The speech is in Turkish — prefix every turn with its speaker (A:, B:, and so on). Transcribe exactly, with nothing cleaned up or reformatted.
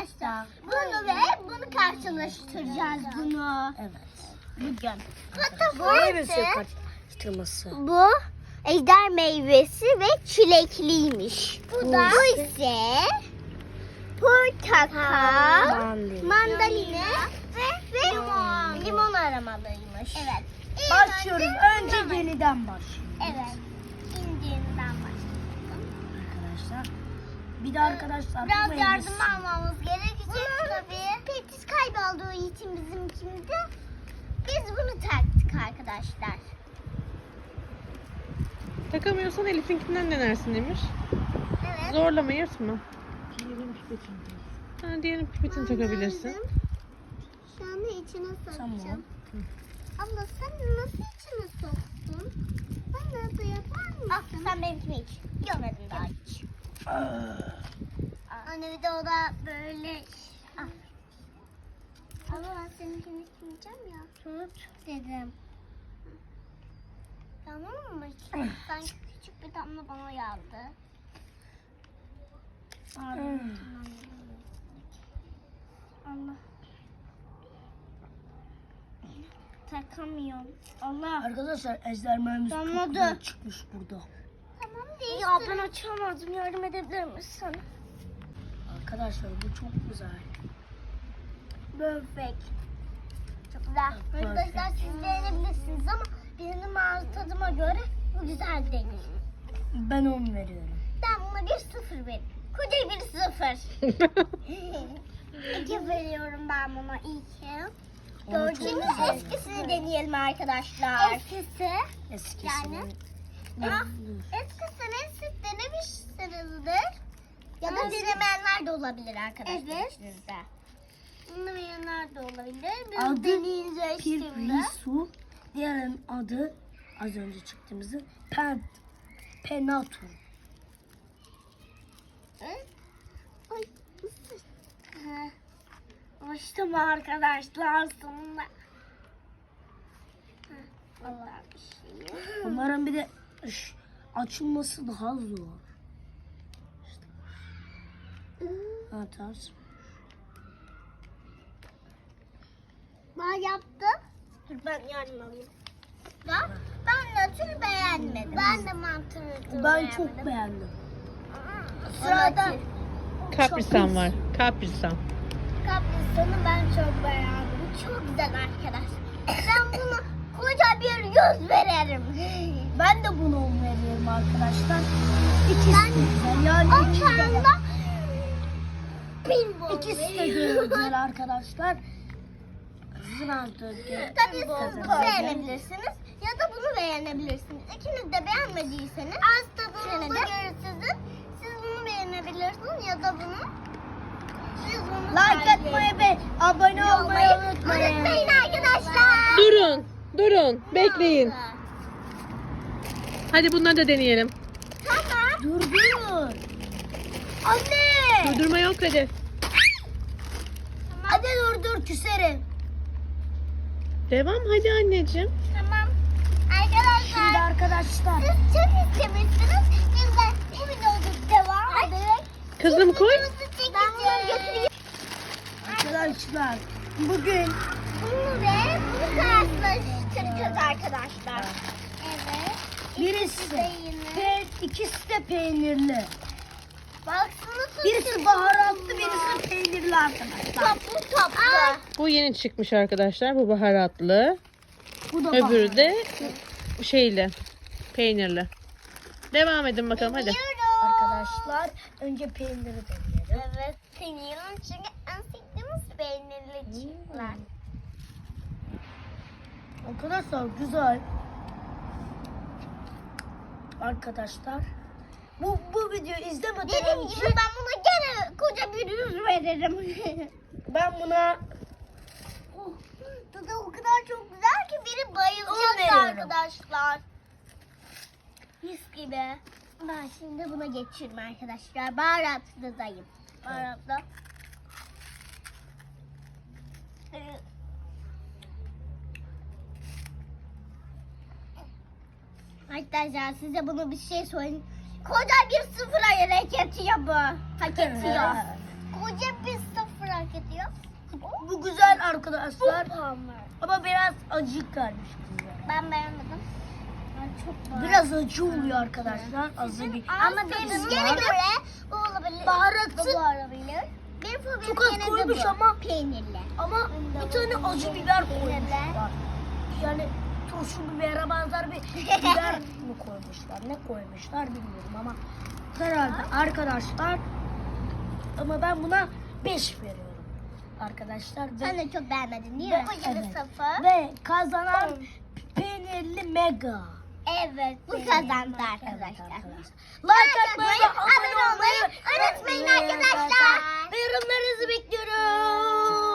A: arkadaşlar bunu ve bunu karşılaştıracağız bunu.
B: Evet.
A: Bugün.
B: Meyvesi
A: Bu,
B: karıştırması.
A: bu ejder meyvesi ve çilekliymiş. Bu da bu ise portakal,
B: Mandalina.
A: mandalina ve, ve limon. limon aromalıymış. Evet. İlk
B: Başlıyoruz.
A: önce
B: Önce yeniden başlıyoruz.
A: Evet. İnciğinden başlayalım.
B: Arkadaşlar. Bir de arkadaşlar bu
A: Biraz
B: meyvesi.
A: yardım almamız gerekecek tabii. Petis kaybolduğu için bizim şimdi biz bunu taktık arkadaşlar.
C: Takamıyorsan Elif'inkinden denersin Emir.
A: Evet.
C: Zorlama, yırtma.
B: Diğerini pipetini.
C: Ha, diğerin pipetini takabilirsin.
A: Şu anda içine sokacağım.
B: Tamam.
A: Abla sen nasıl içine soktun? Bana da yapar mısın? Ah, sen benimkini iç. Görmedim daha hiç. Anne bir de o da böyle... Ah. Ama ben seninkini içmeyeceğim ya. Tut dedim. Tamam mı? Sanki küçük bir damla bana yağdı. Allah. Takamıyorum. Allah.
B: Arkadaşlar ejder meyvesi çok
A: Damladı.
B: güzel çıkmış burada.
A: Tamam değil. Ya ben açamadım. Yardım edebilir misin?
B: Arkadaşlar bu çok güzel.
A: Perfect. Çok güzel.
B: Evet,
A: Arkadaşlar siz deneyebilirsiniz ama benim ağız tadıma göre bu güzel değil.
B: Ben on veriyorum.
A: Ben buna bir sıfır veririm. Koca bir sıfır. İki veriyorum ben buna iki.
B: Ama çok
A: Şimdi
B: güzel.
A: eskisini deneyelim arkadaşlar. Eskisi.
B: Eskisi.
A: Yani. Ah, eskisini siz denemişsinizdir. Ya da denemeyenler de olabilir arkadaşlar. Evet. Sizde. Denemeyenler de olabilir. Biz
B: Adı
A: deneyeceğiz şimdi.
B: Pirrisu. Diğerinin adı az önce çıktığımızı Pen Penatu.
A: Ay, ısır. Ha. Açtım arkadaşlar sonunda. Ha, vallahi bir şey yok.
B: Umarım bir de ş- açılması daha zor. Atar.
A: Ben yaptım. Dur ben yardım alayım. Ben, ben nötr beğenmedim. Ben de mantı nötr
B: Ben çok beğendim.
A: Sırada
C: Kaprisan var. Kaprisan.
A: kaprisanı ben çok beğendim. Çok güzel arkadaşlar. Ben buna koca bir yüz veririm.
B: Ben de bunu on veriyorum arkadaşlar. İkisi de güzel. Yani
A: On
B: ikisi de,
A: tane pinball
B: ikisi de güzel arkadaşlar. Zınadı.
A: Tabii siz bunu beğenebilirsiniz ya da bunu beğenebilirsiniz. İkiniz de beğenmediyseniz az tadınıza göre sizin. Siz bunu beğenebilirsiniz ya da bunu. Siz bunu
B: Like
A: tercih
B: atmayı ve abone olmayı unutmayın.
A: unutmayın arkadaşlar.
C: Durun. Durun. Bekleyin. Hadi bunları da deneyelim.
A: Tamam.
B: Dur dur. Anne.
C: Durdurma yok hadi.
B: Hadi dur dur küserim.
C: Devam hadi anneciğim.
A: Tamam.
B: Şimdi
A: Arkadaşlar
B: arkadaşlar.
A: siz çok istemişsiniz. Biz de bu videoda devam ederek
C: Kızım koy.
A: ben bunu götüreyim.
B: Arkadaşlar bugün
A: Bunu ve bunu karşılaştıracağız arkadaşlar. Evet.
B: birisi
A: de yine.
B: pe, ikisi de peynirli.
A: Baksana
B: Birisi baharatlı, birisi peynirli arkadaşlar.
A: toplu toplu.
C: Bu yeni çıkmış arkadaşlar. Bu baharatlı.
B: Bu da
C: Öbürü de şeyli. Peynirli. Devam edin bakalım hadi.
B: Arkadaşlar önce peyniri deneyelim.
A: Evet, seviyorum çünkü en sevdiğimiz peynirli çiftler.
B: Arkadaşlar güzel. Arkadaşlar bu bu videoyu izlemeden
A: Dediğim
B: önce
A: gibi ben buna gene koca bir yüz veririm.
B: ben buna
A: Oh, tadı o kadar çok güzel ki biri
B: On
A: bayılacak
B: veriyorum.
A: arkadaşlar. Mis gibi. Ben şimdi buna geçiyorum arkadaşlar. Baharatlıdayım. Baharatlı. Ee, Arkadaşlar size bunu bir şey söyleyeyim. Koca bir sıfıra hak ediyor bu. Hak ediyor. Koca bir sıfır merak ediyor.
B: Bu güzel arkadaşlar.
A: Hamur.
B: Ama biraz acı gelmiş bize.
A: Ben beğenmedim. Ben çok
B: Biraz acı oluyor arkadaşlar. Azı bir.
A: Ama benim gene göre bu olabilir.
B: Baharatlı.
A: Bu olabilir. Benim favorim
B: Çok az
A: gene de
B: koymuş
A: bu.
B: ama-
A: Peynirli.
B: Ama bir tane acı biber koymuşlar. Yani turşu bibere benzer bir biber mi koymuşlar? Ne koymuşlar bilmiyorum ama herhalde arkadaşlar. Ama ben buna beş veriyorum. Arkadaşlar ve,
A: Sen de çok beğenmedin değil
B: ve,
A: mi? Bu yılı
B: evet.
A: sıfır.
B: ve kazanan peynirli mega.
A: Evet. Bu
B: Peynirli
A: kazandı
B: mega.
A: arkadaşlar.
B: Evet arkadaşlar. Like atmayı ve abone olmayı
A: unutmayın arkadaşlar.
B: Ve yorumlarınızı bekliyorum.